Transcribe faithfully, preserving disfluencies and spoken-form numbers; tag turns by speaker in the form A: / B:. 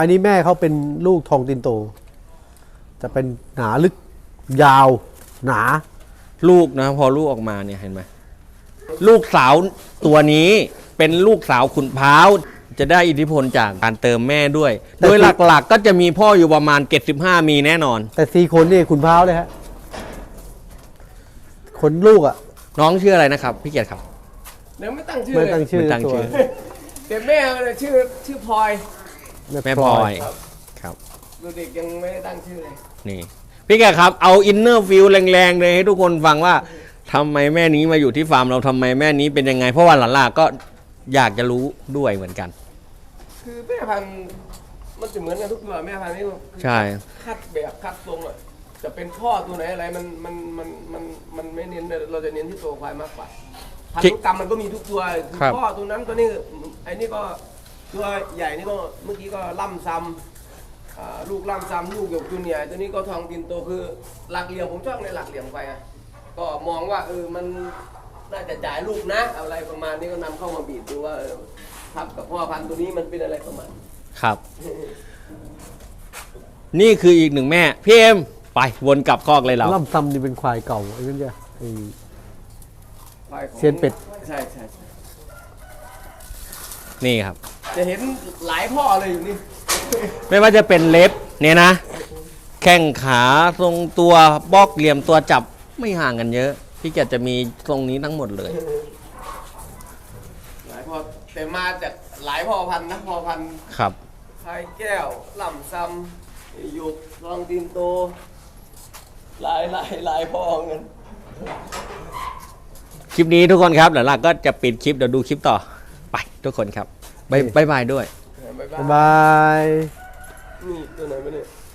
A: อันนี้แม่เขาเป็นลูกทองตินโตจะเป็นหนาลึกยาวหนา
B: ลูกนะพอลูกออกมาเนี่ยเห็นไหมลูกสาวตัวนี้เป็นลูกสาวขุนพร้าวจะได้อิทธิพลจากการเติมแม่ด้วย โดยหลักๆ ก็จะมีพ่ออยู่ประมาณเจ็ดสิบห้ามีแน่นอน
A: แต่สี่คนนี่ขุนพร้าวเลยฮะคนลูกอ่ะ
B: น้องชื่ออะไรนะครับพี่เกียรติครับ
C: เดี๋ยวไม่ตั้งชื่อ
A: ไม่ตั้งชื่อ
B: ไม่ตั้งชื่อ
C: แต่แม่เนี่ยชื่อชื่อพลอย
B: แม่พลอยครับ
C: ดูเด็กยังไม่ได้ตั้งชื่อเลย
B: นี่พี่แกครับเอาอินเนอร์ฟิลแรงๆเลยให้ทุกคนฟังว่าทำไมแม่นี้มาอยู่ที่ฟาร์มเราทำไมแม่นี้เป็นยังไงเพราะว่าหลานๆก็อยากจะรู้ด้วยเหมือนกัน
C: คือแม่พันธุ์มันจะเหมือนกันทุกตัวแม่พันธุ์นี่
B: ใช่
C: คัดแบบคัดทรงอ่ะจะเป็นพ่อตัวไหนอะไรมันมันมันมันมันไม่เน้นเราจะเน้นที่ตัวควายมากกว่าพันธุกรรมมันก็มีทุกตัวคือพ่อตัวนั้นตัวนี้ไอ้นี่ก็ตัวใหญ่นี่ก็เมื่อกี้ก็ล่ำซ้ำลูกล่ำซ้ำลูกหยกจูเนียร์ตัวนี้ก็ทองตินโตคือหลักเหลี่ยมผมชอบในหลักเหลี่ยมไปอ่ะก็มองว่าเออมันน่าจะจ่ายลูกนะอะไรประมาณนี้ก็นำเข้ามาบีบดูว่าเออทับกับพ่อพันธุ์ตัวนี้มันเป็นอะไรประมาณ
B: ครับ นี่คืออีกหนึ่งแม่พี่เอ็มไปวนกลับคอกเลยเรา
A: ล่ำซำนี่เป็นควายเก่าไอ้นั่นจ้ะไอ้
C: ควายของ
A: เซียนเป็ด
C: ใช่ใช่ใช่
B: นี่ครับ
C: จะเห็นหลายพ่อเลยอยู่นี่
B: ไม่ว่าจะเป็นเล็บเนี่ยนะแข้งขาทรงตัวบล็อกเหลี่ยมตัวจับไม่ห่างกันเยอะพี่แกจะมีทรงนี้ทั้งหมดเลย
C: หลายพ่อแต่มาจากหลายพ่อพันธุ์นะพ่อพันธุ์
B: ครับ
C: ไข่แก้วล่ำซ้ำหยุกทองตินโตหลายหลายหลายพ่อเงิน
B: คลิปนี้ทุกคนครับเดี๋ยวเราก็จะปิดคลิปเดี๋ยวดูคลิปต่อไปทุกคนครับบ๊ายบายด้วย
A: บ๊ายบาย
C: นี่ตัวไหนมาเนี่ย